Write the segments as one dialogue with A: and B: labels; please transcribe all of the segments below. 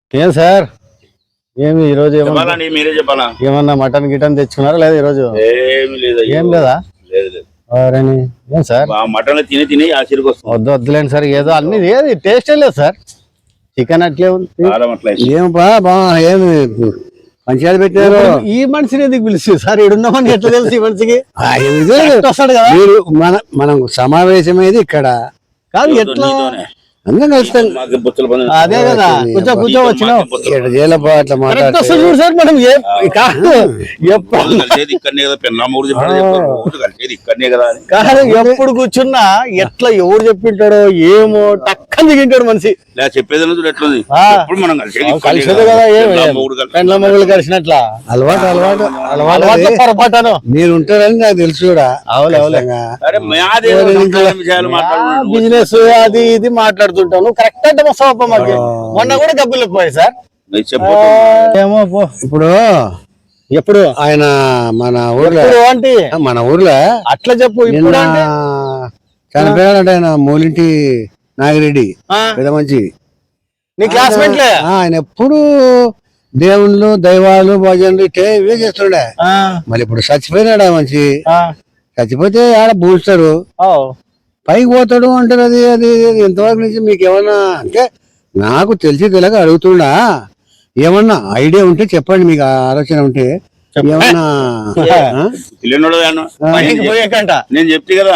A: ఏం సార్ ఏమి ఈరోజు
B: చెప్పాలండి, మీరే చెప్పాలా?
A: ఏమన్నా మటన్ గిటన్ తెచ్చుకున్నారా లేదా ఈరోజు?
B: ఏమి లేదు.
A: ఏం లేదా?
B: లేదు లేదు.
A: ఏం సార్
B: మటన్ తిని తిని ఆశ్చర్యకు వస్తుంది.
A: వద్దులేండి సార్, ఏదో అన్ని ఏది టేస్ట్ లేదు సార్. చికెన్ అట్లే ఉంది.
C: ఏం ఏమి పంచాయతీ పెట్టారు.
A: ఈ మనిషిని ఎందుకు పిలిచి సార్? ఇడున్నామని ఎట్లా తెలుసు ఈ మనిషికి? వస్తాడు కదా.
C: మీరు మనం సమావేశమేది ఇక్కడ
A: కాదు ఎట్లా
C: అందరం కలుస్తాం.
A: అదే కదా, కొంచెం కూర్చో వచ్చినావు
C: అట్లా మాట్లాడుతూ
A: చూడు సార్. మనం కాదు ఎప్పుడు కూర్చున్నా ఎట్లా ఎవరు చెప్పింటాడో ఏమో టక్కని దిగింటాడు మనిషి.
B: చెప్పేది ఎట్లుంది
A: కలిసేది కదా, పెండ్ల మొగులు కలిసినట్లా
C: అలవాటు అలవాటు
A: అలవాటు పొరపాటాను.
C: మీరు ఉంటారని నాకు తెలుసు కూడా.
A: బిజినెస్ అది ఇది మాట్లాడుతుంటాను. కరెక్ట్ అంటే వస్తావప్ప. మాకు మొన్న కూడా డబ్బులు పోయాయి సార్. ఏమో
C: ఇప్పుడు
A: ఎప్పుడు
C: ఆయన మన ఊర్లో
A: అట్లా చెప్పు. ఇప్పుడు
C: చనిపోయాడంటే ఆయన మూలింటి నాగిరెడ్డి పెద్ద మంచి
A: నీ క్లాస్మేట్లే.
C: ఆయన ఎప్పుడు దేవుళ్ళు దైవాలు భజనలు ఇవే చేస్తుండే. మరి ఇప్పుడు చచ్చిపోయినాడు ఆ మంచి. చచ్చిపోతే ఆడ పూస్తారు, పైకి పోతాడు అంటారు. అది అది ఎంతవరకు నుంచి మీకు ఏమన్నా అంటే నాకు తెలిసి తెలియక అడుగుతుండా. ఏమన్నా ఐడియా ఉంటే చెప్పండి, మీకు ఆలోచన ఉంటే. ఏమన్నా
B: నేను చెప్తే కదా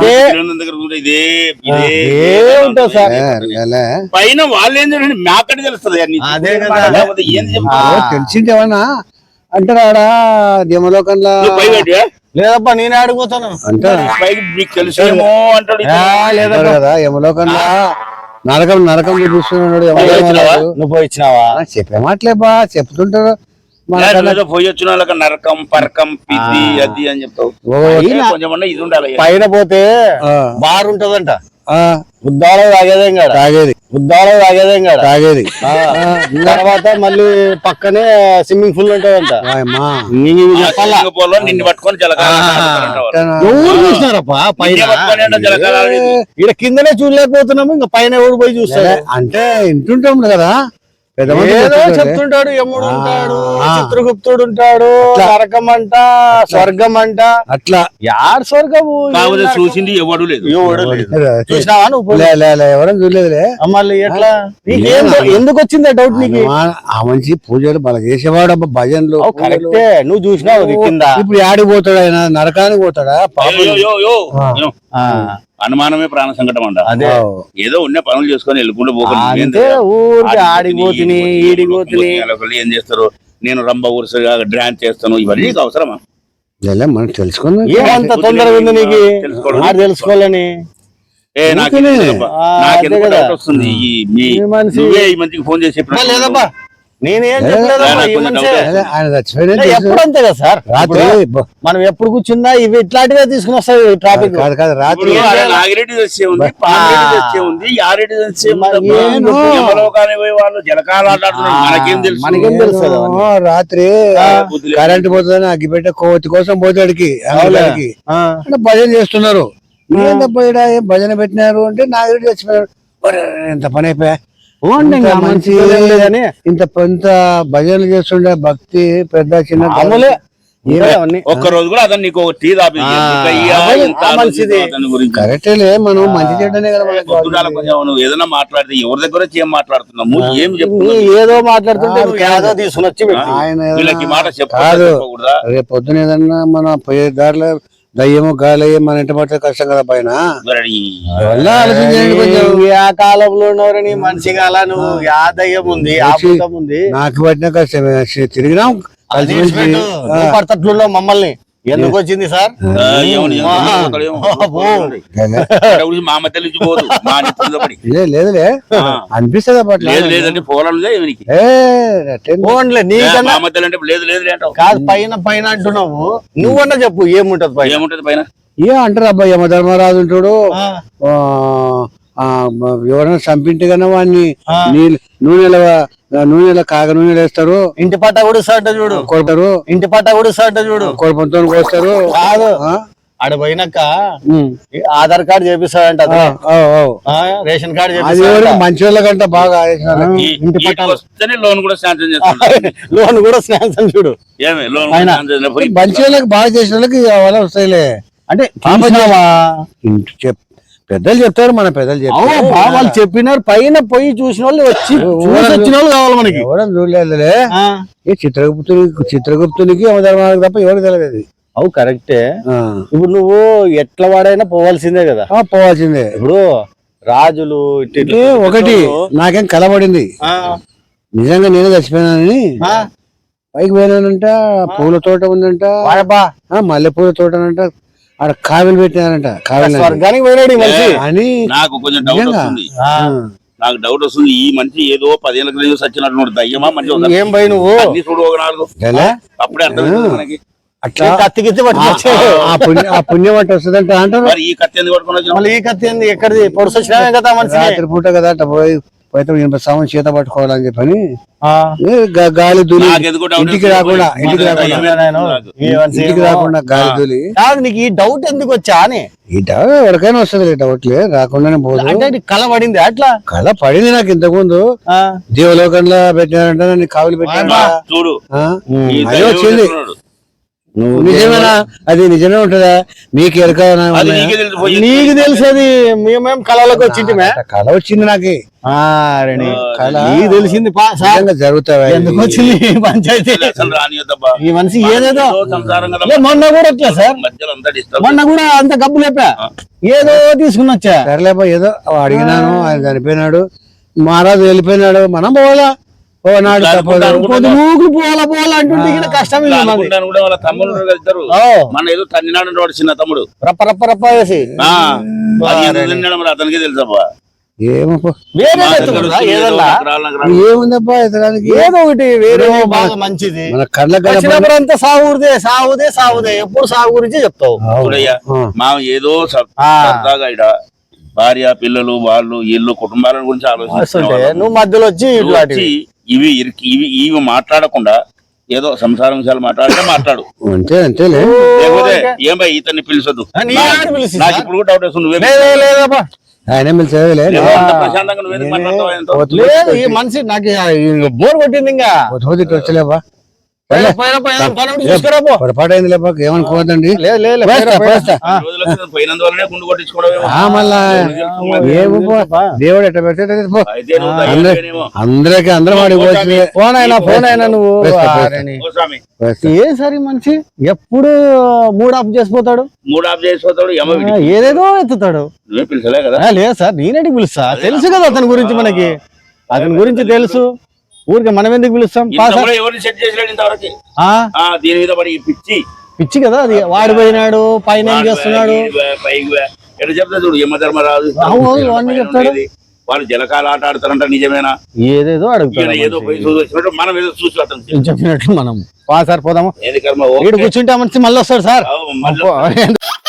B: పైన వాళ్ళు ఏంటంటే మ్యాకట్ తెలుస్తుంది.
C: తెలిసింది ఏమన్నా అంటారా ఆడ దేమలోకంలో?
A: లేదబ్బా, నేనే ఆడిపోతాను
C: అంటే
B: తెలుసేమో అంటాడు
C: కదా. యమలోకంలో నరకం నరకం చూపిస్తున్నాడు.
A: నువ్వు పోయి ఇచ్చినావా?
C: చెప్పే మాటలే బా చెప్తుంటారు.
B: పోయి వచ్చిన వాళ్ళకి నరకం పరకం పిది అది అని చెప్తావు. కొంచెం ఇది ఉండాలి.
A: పైన పోతే బార్ ఉంటదంట. బుద్ధాలో తాగేదేం కాదు,
C: తాగేది
A: బుద్ధాలో తాగేదేం కాదు,
C: తాగేది.
A: తర్వాత మళ్ళీ పక్కనే స్విమ్మింగ్ పూల్ ఉంటదంట.
B: నిన్ను పట్టుకొని
A: ఎవరు చూసినారప్పా పైన? ఇక్కడ కిందనే చూడలేకపోతున్నాము, ఇంకా పైన ఎవరు పోయి చూస్తారు?
C: అంటే ఇంటుంటాం కదా,
A: చెప్తుంటాడు. యముడు ఉంటాడు, చిత్రగుప్తుడు ఉంటాడు, నరకం అంట, స్వర్గం అంట.
C: అట్లా
A: యార్ స్వర్గము
B: చూసింది ఎవడు లేదు.
A: చూసినావా నువ్వు?
C: ఎవరైనా చూడలేదులే.
A: మళ్ళీ ఎట్లా ఎందుకు వచ్చింది డౌట్ నీకు?
C: ఆ మంచి పూజలు బాగా చేసేవాడు. భజనలు
A: కరెక్టే, నువ్వు చూసినావు కింద.
C: ఇప్పుడు ఆడికి పోతాడు ఆయన? నరకానికి పోతాడా?
B: అనుమానమే ప్రాణ సంకటం అంట.
A: అదే
B: ఏదో ఉన్న పనులు చేసుకొని వెళ్ళకుండా ఏం చేస్తారు? నేను రంభ ఊరుసగా డ్రాన్స్ చేస్తాను, ఇవన్నీ అవసరమా?
C: మనం తెలుసుకున్నాం.
A: ఏమంత తొందరగా ఉంది నీకు తెలుసుకోవాలని?
B: వస్తుంది ఈ మంచికి ఫోన్ చేసి
A: లేదబ్బా, నేనేం ఎప్పుడు అంతే కదా సార్. రాత్రి మనం ఎప్పుడు కూర్చున్నా ఇవి ఇట్లాంటివే తీసుకుని వస్తాయి. ట్రాఫిక్
C: కాదు కాదు, రాత్రి
B: నాగిరెడ్డి వచ్చే ఉంది, పామిరెడ్డి ఉంది, యారెడ్డి వచ్చే వాళ్ళు జలకాలు ఆడుతున్నారు.
A: మనకేం తెలుసు?
C: రాత్రి కరెంట్ పోతుందని అగ్గిపెట్టే కోతి కోసం పోతాడికి అంటే భజన చేస్తున్నారు. ఏంటప్ప ఏం భజన పెట్టినారు అంటే నాగిరెడ్డి చచ్చిపోయాడు. ఎంత పని అయిపోయా. మంచి ఇంత పెద్ద భజనలు చేస్తుండే భక్తి పెద్ద చిన్న
B: ఒక్క రోజు కూడా అతను నీకు టీ
C: కరెక్టేలే. మనం మంచి చెడ్డనే కదా.
B: నువ్వు ఏదైనా మాట్లాడితే ఎవరి దగ్గర ఏం మాట్లాడుతున్నాము, ఏం చెప్తున్నా?
A: ఏదో మాట్లాడుతుంటే తీసుకుని వచ్చి
B: వీళ్ళకి మాట
C: కాదు. రేపు పొద్దున ఏదన్నా మన పోయే దారిలో దయ్యము గాలయ్య మన ఇంటి పడితే కష్టం కదా. పైన
A: ఆ కాలంలో ఉన్నవారని మనిషిగా అలా నువ్వు ఆ దయ్యం ఉంది, ఆ భూతం ఉంది.
C: నాకు పట్టిన కష్టమే. తిరిగినాం
A: పడతట్లో మమ్మల్ని ఎందుకు వచ్చింది సార్?
C: లేదులే అనిపిస్తుంది
A: కాదు. పైన పైన అంటున్నావు, నువ్వన్నా చెప్పు ఏముంటది పైన?
B: ఏముంటది పైన?
C: ఏ అంటారు అబ్బాయి, యమధర్మరాజు ఉంటాడు. ఎవరైనా చంపింటే కన్నా వాడిని నూనెలో కాగ నూనెలు వేస్తారు.
A: ఇంటి పట్ట కూడా సాట చూడు కొడతారు. ఇంటి పట్ట కూడా సాట చూడు కొడుపుతో కోస్తారు. కాదు ఆడ పోయినాక ఈ ఆధార్ కార్డు చేపిస్తాడంట అతనే. రేషన్ కార్డు
C: అది
A: చేపిస్తాడంట.
C: మంచి వాళ్ళకంట బాగా చేసిన వాళ్ళకి.
A: ఇంటి పట్టాలు
B: వస్తేనే లోన్ కూడా శాంక్షన్ చేస్తాడు.
A: లోన్ కూడా శాంక్షన్ చూడు.
B: ఏమి లోన్
A: ఆయన.
C: మంచి వాళ్ళకి బాగా చేసిన వాళ్ళకి వాళ్ళ వస్తాయిలే.
A: అంటే చూసినావా?
C: పెద్దలు చెప్తారు, మన పెద్దలు
A: అవును
C: చెప్తారు.
A: బా, వాళ్ళు చెప్పినారు. పైన పోయి చూసిన వాళ్ళు వచ్చి చూసి వచ్చిన వాళ్ళు కావాలి మనకి.
C: ఎవడం చూడలేదులే.
A: ఆ,
C: ఈ చిత్రగుప్తునికి అవధర్మానికి తప్ప ఎవరికి తెలియదు.
A: అవు కరెక్టే.
C: ఆ.
A: ఇప్పుడు నువ్వు ఎట్లా వాడైనా పోవాల్సిందే కదా.
C: పోవాల్సిందే.
A: ఇప్పుడు రాజులు ఇట్లా
C: ఇది ఒకటి నాకేం కలబడింది,
A: ఆ,
C: నిజంగా నేనే చచ్చిపోయినానని.
A: ఆ,
C: పైకి పోయినానంట, పూల తోట ఉందంట,
A: వాడబ్బా,
C: మల్లె పూల తోటనంట, ఆడ కావిలు పెట్టినారంట. కావిలు
A: స్వర్గానికి పోయినాడు ఈ మనిషి.
C: అని
B: నాకు కొంచెం డౌట్ వస్తుంది.
A: ఆ,
B: నాకు డౌట్ వస్తుంది, ఈ మనిషి ఏదో 10 ఏళ్ళ క్రితం సచ్చినట్టు దయ్యమా మంచి
A: ఏం పోయి నువ్వు
B: అన్ని చూడు ఒక 4
C: ఎలా?
B: అప్పుడే అర్థమవుతుంది మనకి.
C: అట్లా
A: కత్తికిత్తి పట్టుకొచ్చే.
C: ఆ పుణ్యం అంటే వస్తుందంట అంటారు.
B: మరి ఈ కత్తి ఎందుకు పట్టుకొని వచ్చినావు?
A: మళ్ళీ ఈ కత్తి ఏంది? ఎక్కడిది? పొడుసు వచ్చినావే కదా మనిషి.
C: రాత్రి పూట కదా అట్లా పోయి పోతే 80 సంవత్సరం చేత పట్టుకోవాలని చెప్పని గాలి దూలి
B: నాకెందుకో doubt
C: ఇంటికి
B: వస్తుంది.
C: రాకుండా ఇంటికి రాకుండా
A: ఈ మనిషి
C: ఇంటికి రాకుండా గాలి దూలి.
A: కాదు నీకు ఈ డౌట్ ఎందుకు వచ్చా అని.
C: ఈ డౌట్ ఎవరికైనా వస్తుంది, డౌట్లే రాకుండానే పోదు.
A: అంటే నీకు కల పడింది అట్లా.
C: కళ పడింది నాకు ఇంతకు ముందు.
A: ఆ,
C: దేవలోకంలో పెట్టినారంట, నన్ను కావులు పెట్టినారంట.
B: చూడు ఈ
C: అదే
B: దయ్యం
C: వచ్చింది.
B: చెప్తున్నాడు.
C: నిజమేనా? అది నిజమే ఉంటుందా? మీకు ఎరక
B: అది నీకే తెలుసు పోయి.
A: నీకు తెలిసేది మేమేం కళలోకి వచ్చింటిమే.
C: కళ వచ్చింది నాకు.
A: కళ నీకు తెలిసింది పా సార్.
C: నిజంగా జరుగుతావా?
A: ఎందుకు వచ్చింది ఈ పంచాయతీ?
B: అసలు రానియద్దబ్బా.
A: ఈ మనిషి ఏదేదో
B: సంసారం కదా.
A: లే, మొన్న కూడా ఎట్లా సార్?
B: మధ్యలో అంతా డిస్టర్బ్.
A: మొన్న కూడా అంత గబ్బు లేపా, ఏదో తీసుకుని వచ్చా.
C: సరేలేపా, ఏదో అడిగినాను, ఆయన చనిపోయినాడు, మహారాజు వెళ్ళిపోయినాడు, మనం పోవాలా? పోనాడు తప్పదు.
A: కొద్ది ఊగులు పోవాలా పోవాలా అంటుంటే ఇక్కడ కష్టం ఇది మాది.
B: అనుకుంటాను కూడా వాళ్ళ తమ్ముడు వెళ్తారు.
A: ఓ,
B: మన ఏదో తన్నినాడు వాడు చిన్న తమ్ముడు.
A: రప్ప రప్ప రప్ప వేసి
B: ఆ, అది ఎందుకు తిన్నాడో మరి అతనికే తెలుసబ్బా.
C: ఏమో
A: వేరే ఎత్తుకుంటా ఏదన్నా.
C: ఏముందప్పా ఎత్తడానికి?
A: ఏదో ఒకటి వేరే బాగా మంచిది.
C: మన కళ్ళ
A: వచ్చినప్పుడు అంతా సాగుదే సాగుదే సాగుదే, ఎప్పుడు సాగు గురించి చెప్తావు.
B: చూడయ్యా, మా ఏదో సరదాగా ఇడ భార్య పిల్లలు వాళ్ళు ఇల్లు కుటుంబాల గురించి
A: వస్తుంటే
B: ఆలోచిస్తుంటే
A: నువ్వు మధ్యలో వచ్చి ఇట్లాంటివి.
B: ఇవి మాట్లాడకుండా ఏదో సంసారం విషయాలు మాట్లాడితే మాట్లాడు.
C: అంతే అంతేలే.
B: లేకపోతే ఏం భయ్ ఇతన్ని పిలిచొద్దు.
A: నీ ఆడ పిలిచి
B: నాకు ఇప్పుడు కూడా డౌట్ వస్తుంది. నువ్వే
A: లేదే లేదబ్బా.
C: ఆయన మీరు చదివలే.
B: లేవో అంత ప్రశాంతంగా నువ్వేందుకు మాట్లాడతావు ఆయనతో?
A: లేదు ఈ మనిషి నాకు బోర్ కొట్టింది. ఇంకా
C: వచ్చలేపా,
A: చూసుకురా పో.
C: పొరపాటు అయింది లేపా, ఏమనుకోవద్దండి.
A: లేదు లేదు
B: ఈ రోజులకు పోయినందువల్లనే గుండు కొట్టించుకోవడమేమో.
C: మళ్ళా ఏమో దేవుడు ఎట్లా పెడితే పో.
B: అయితే నువ్వు దయ్యానివేనేమో.
C: అందరికి అందరం వాడిపోవచ్చు.
A: ఫోన్ అయినా నువ్వు
B: ఓ స్వామి,
A: ఏ సరి మనిషి ఎప్పుడు మూడ్ ఆఫ్ చేసిపోతాడు,
B: మూడు ఆఫ్ చేసిపోతాడు. ఏమో వీడికి.
A: ఏదేదో ఎత్తుతాడు.
B: నువ్వే పిలిచలే కదా.
A: లేదు సార్, నేనేంటి పిలుస్తా? తెలుసు కదా అతని గురించి, మనకి అతని గురించి తెలుసు. ఊరికి మనం ఎందుకు పిలుస్తాం?
B: ఇంతవరకు ఎవరిని సెట్ చేసలేడు ఇంతవరకు. దీని మీద పడి ఈ
A: పిచ్చి కదా అది. వాడిపోయినాడు, పైన ఏం చేస్తున్నాడు,
B: పైకి ఎట్లా చెప్తా చూడు. యమధర్మరాజు
A: అన్ని చెప్తాడు.
B: వాళ్ళు జలకాలు ఆట ఆడతారంట, నిజమేనా?
A: ఏదేదో అడుగుతాడు.
B: ఏదో పోయి చూసి వచ్చినట్టు మనం ఏదో చూసి అతను
A: చెప్పినట్లు మనం సార్ పోదాము.
B: ఏది కర్మ.
A: వీడు కూర్చుంటే మనిషి మళ్ళీ వస్తాడు సార్.
B: మళ్ళీ